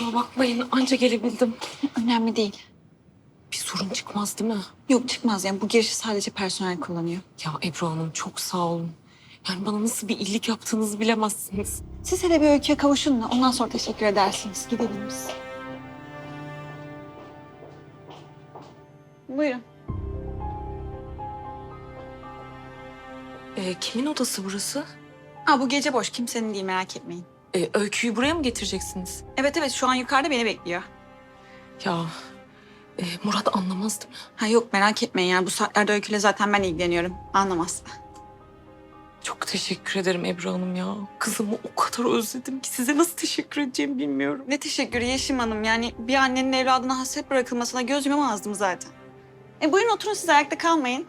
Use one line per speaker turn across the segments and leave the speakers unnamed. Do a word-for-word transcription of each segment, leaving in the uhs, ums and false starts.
Kusura bakmayın, anca gelebildim.
Önemli değil.
Bir sorun çıkmaz değil mi?
Yok çıkmaz yani bu girişi sadece personel kullanıyor.
Ya Ebru Hanım çok sağ olun. Yani bana nasıl bir iyilik yaptığınızı bilemezsiniz.
Siz hele bir öyküye kavuşun da ondan sonra teşekkür edersiniz. Gidelim biz. Buyurun.
Ee, kimin odası burası?
Aa, bu gece boş. Kimsenin değil merak etmeyin.
Ee, Öykü'yü buraya mı getireceksiniz?
Evet evet şu an yukarıda beni bekliyor.
Ya e, Murat anlamaz değil mi?
Ha yok merak etmeyin ya bu saatlerde öyküyle zaten ben ilgileniyorum. Anlamaz.
Çok teşekkür ederim Ebru Hanım ya. Kızımı o kadar özledim ki size nasıl teşekkür edeceğimi bilmiyorum.
Ne teşekkürü Yeşim Hanım. Yani bir annenin evladına hasret bırakılmasına göz yumamazdım zaten. E buyurun oturun siz ayakta kalmayın.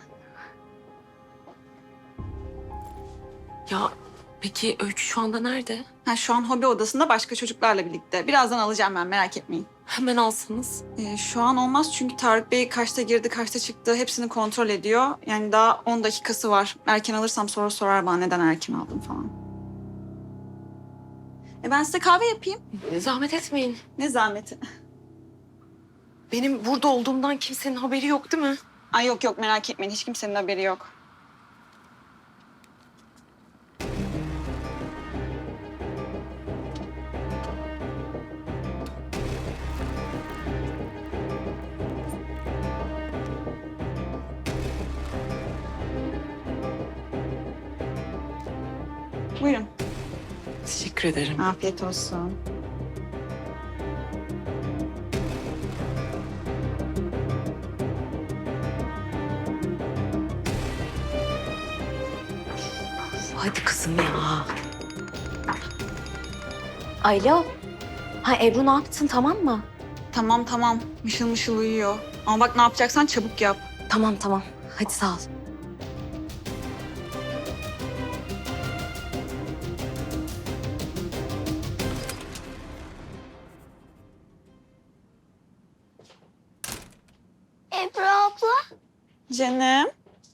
Ya peki Öykü şu anda nerede?
Ha, şu an hobi odasında başka çocuklarla birlikte. Birazdan alacağım ben merak etmeyin.
Hemen alsanız.
Ee, şu an olmaz çünkü Tarık Bey kaçta girdi kaçta çıktı hepsini kontrol ediyor. Yani daha on dakikası var. Erken alırsam sonra sorar bana neden erken aldım falan. E ben size kahve yapayım.
E, Zahmet etmeyin.
Ne zahmeti.
Benim burada olduğumdan kimsenin haberi yok değil mi?
Ay yok yok merak etmeyin hiç kimsenin haberi yok. Buyurun.
Teşekkür ederim.
Afiyet olsun.
Hadi kızım ya.
Alo. Ha Ebru ne yaptın tamam mı?
Tamam tamam mışıl mışıl uyuyor. Ama bak ne yapacaksan çabuk yap.
Tamam tamam. Hadi sağ ol.
Ebru abla.
Canım.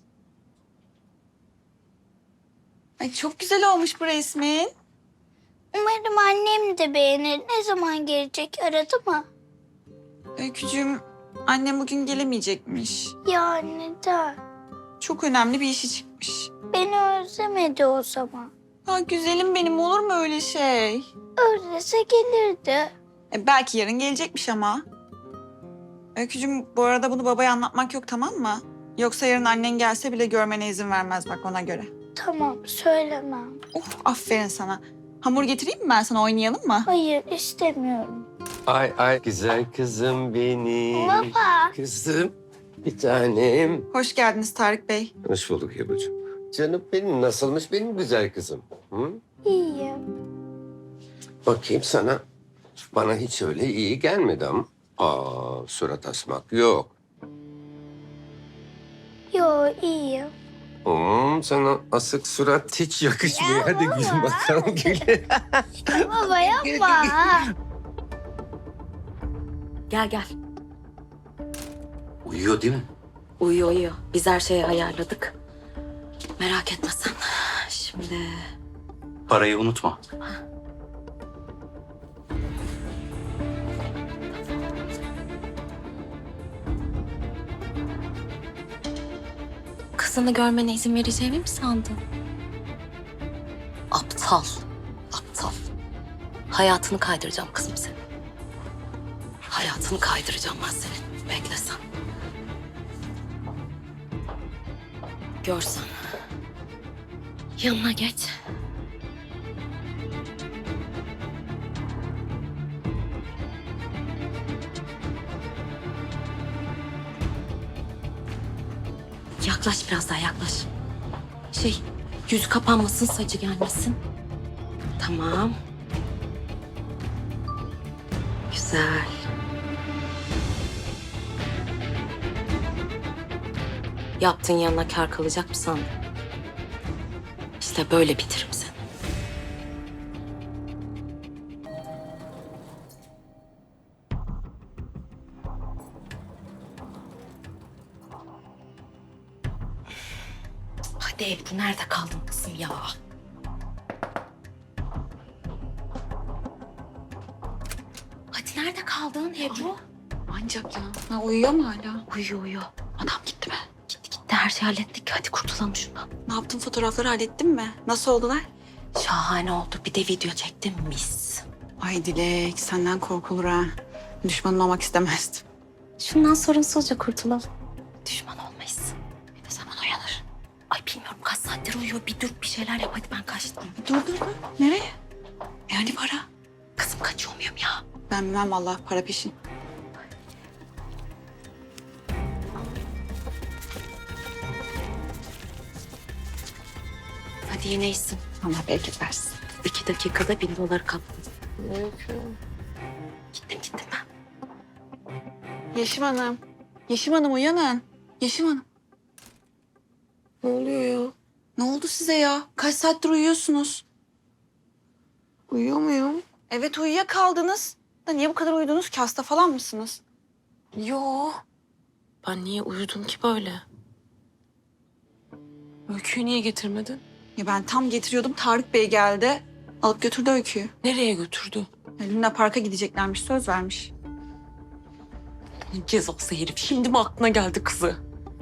Ay çok güzel olmuş bu resmin.
Umarım annem de beğenir. Ne zaman gelecek aradı mı?
Öykücüğüm annem bugün gelemeyecekmiş.
Ya neden?
Çok önemli bir işi çıkmış.
Beni özlemedi o zaman.
Ha güzelim benim olur mu öyle şey?
Özlese gelirdi.
E, belki yarın gelecekmiş ama. Öykücüğüm bu arada bunu babaya anlatmak yok tamam mı? Yoksa yarın annen gelse bile görmene izin vermez bak ona göre.
Tamam söylemem.
Uf aferin sana. Hamur getireyim mi ben sana oynayalım mı?
Hayır istemiyorum.
Ay ay güzel kızım benim.
Baba.
Kızım bir tanem.
Hoş geldiniz Tarık Bey.
Hoş bulduk Ebru'cum. Canım benim nasılmış benim güzel kızım? Hı?
İyiyim.
Bakayım sana. Bana hiç öyle iyi gelmedi ama. Aa surat asmak yok.
Yo iyiyim.
Hmm, sana asık surat hiç yakışmıyor. Hadi gül bakalım gül.
Baba yapma.
Gel gel.
Uyuyor değil mi?
Uyuyor uyuyor. Biz her şeyi ayarladık. Merak etme sen. Şimdi
Parayı unutma.
kızını görmene izin vereceğimi mi sandın? Aptal. Aptal. Hayatını kaydıracağım kızım senin. Hayatını kaydıracağım ben senin. Bekle sen. Görsen. Yanına geç. Yaklaş biraz daha yaklaş. Şey, yüzü kapanmasın, saçı gelmesin. Tamam. Güzel. Yaptığın yanına kâr kalacak mı sandın? İşte böyle bitiririm seni. Hadi Ebru nerede kaldın kızım ya? Hadi nerede kaldın Ebru?
Ancak ya. Ha, uyuyor mu hala?
Uyuyor uyuyor.
Adam gitti mi?
Gitti gitti her şeyi hallettik. Hadi kurtulalım şundan.
Ne yaptın, fotoğrafları hallettin mi? Nasıl oldular?
Şahane oldu. Bir de video çektim mis.
Ay Dilek, senden korkulur ha. Düşmanın olmak istemezdim.
Şundan sorunsuzca kurtulalım. Düşman olmayız. Ne zaman uyanır? Ay bilmiyorum kaç saattir uyuyor. Bir dur bir şeyler yap hadi ben kaçtım.
Dur dur dur. Nereye? Yani para.
Kızım kaçıyor muyum ya?
Ben bilmem vallahi, para peşin.
Hadi yine iyisin.
Allah bereket versin.
İki dakikada bin doları kaptım. Gittim gittim ben.
Yeşim Hanım. Yeşim Hanım uyanın. Yeşim Hanım.
Ne oluyor ya?
Ne oldu size ya? Kaç saattir uyuyorsunuz?
Uyuyor muyum?
Evet, uyuyakaldınız. Da niye bu kadar uyudunuz ki? Hasta falan mısınız?
Yo. Ben niye uyudum ki böyle? Öyküyü niye getirmedin?
Ya ben tam getiriyordum. Tarık Bey geldi. Alıp götürdü Öykü'yü.
Nereye götürdü?
Ya Luna Park'a gideceklermiş. Söz vermiş.
Ne cezası herif. Şimdi mi aklına geldi kızı?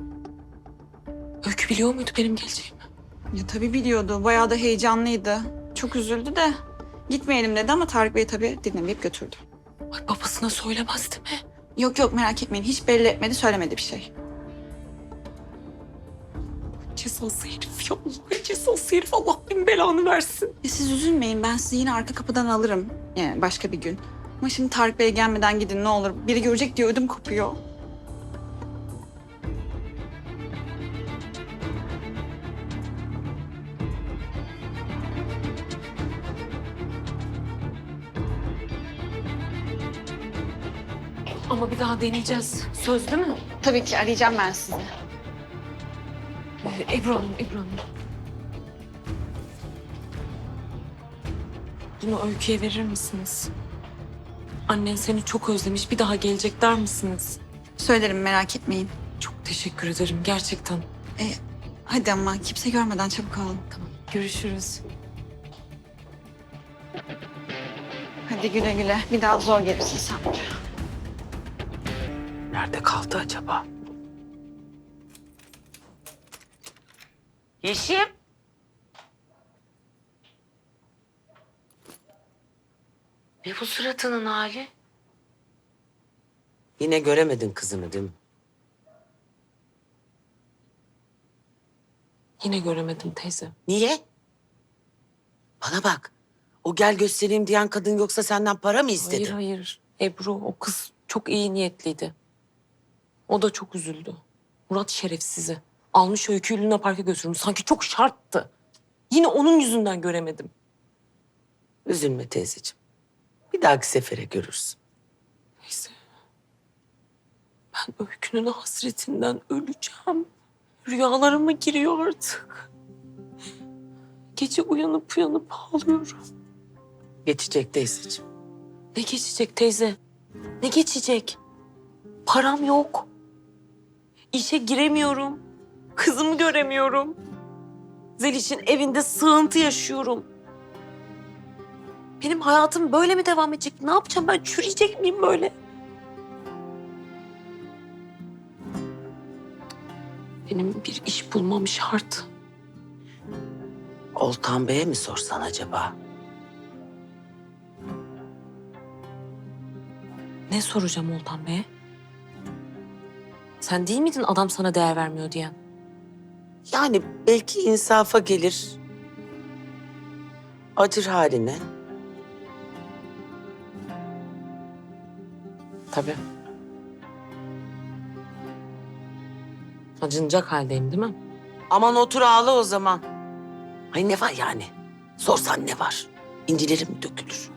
Öykü biliyor muydu benim geleceğimi?
Ya tabii biliyordu. Bayağı da heyecanlıydı. Çok üzüldü de. Gitmeyelim dedi ama Tarık Bey tabii dinlemeyip götürdü.
Ay babasına söylemezdi mi?
Yok yok, merak etmeyin. Hiç belli etmedi, söylemedi bir şey.
Cezası herif ya. Allah cezası herif. Allah bin belanı versin.
Ya siz üzülmeyin. Ben sizi yine arka kapıdan alırım. Yani başka bir gün. Ama şimdi Tarık Bey gelmeden gidin ne olur. Biri görecek diye ödüm kopuyor.
Ama bir daha deneyeceğiz. Söz değil mi?
Tabii ki arayacağım ben sizi.
Ee, Ebru Hanım, Ebru Hanım. Bunu Öykü'ye verir misiniz? Annen seni çok özlemiş. Bir daha gelecek der misiniz?
Söylerim, merak etmeyin.
Çok teşekkür ederim gerçekten.
E, hadi ama kimse görmeden çabuk alın.
Tamam. Görüşürüz.
Hadi güle güle. Bir daha zor gelirsin sen buraya.
Nerede kaldı acaba? Yeşim.
Ne bu suratının hali?
Yine göremedin kızını değil mi?
Yine göremedim teyze.
Niye? Bana bak. O gel göstereyim diyen kadın yoksa senden para mı istedi?
Hayır hayır. Ebru o kız çok iyi niyetliydi. O da çok üzüldü. Murat şerefsizi. Almış Öykü'yü Luna Park'a götürmüş. Sanki çok şarttı. Yine onun yüzünden göremedim.
Üzülme teyzeciğim. Bir dahaki sefere görürsün.
Neyse. Ben Öykü'nün hasretinden öleceğim. Rüyalarıma giriyor artık. Gece uyanıp uyanıp ağlıyorum.
Geçecek teyzeciğim.
Ne geçecek teyze? Ne geçecek? Param yok. İşe giremiyorum. Kızımı göremiyorum. Zeliş'in evinde sığıntı yaşıyorum. Benim hayatım böyle mi devam edecek? Ne yapacağım ben? Çürüyecek miyim böyle? Benim bir iş bulmam şart.
Oltan Bey'e mi sorsan acaba?
Ne soracağım Oltan Bey'e? Sen değil miydin adam sana değer vermiyor diyen?
Yani belki insafa gelir. Acır haline.
Tabii. Acınacak haldeyim değil mi?
Aman otur ağla o zaman. Ay ne var yani? Sorsan ne var? İncilerim mi dökülür?